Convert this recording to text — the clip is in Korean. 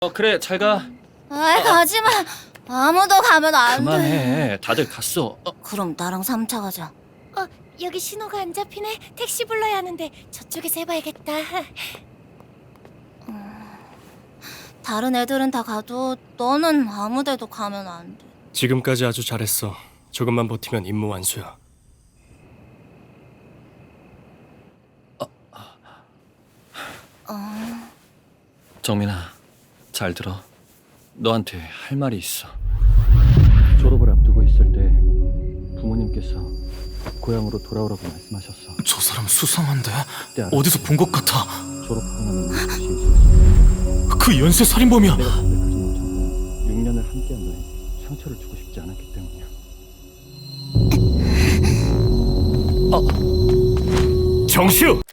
그래, 잘 가. 아이, 가지마. 아무도 가면 안 돼. 그만해. 다들 갔어. 그럼 나랑 3차 가자. 여기 신호가 안 잡히네. 택시 불러야 하는데 저쪽에서 해봐야겠다. 다른 애들은 다 가도 너는 아무 데도 가면 안 돼. 지금까지 아주 잘했어. 조금만 버티면 임무 완수야. 정민아, 잘 들어. 너한테 할 말이 있어. 졸업을 앞두고 있을 때 부모님께서 고향으로 돌아오라고 말씀하셨어. 저 사람 수상한데? 그때 알았지. 어디서 본 것 같아. 졸업하고 나면 즉시 있었어. 그 연쇄 살인범이야. 내가 담백하지 못한 건 6년을 함께한 너에 상처를 주고 싶지 않았기 때문이야. 정시우!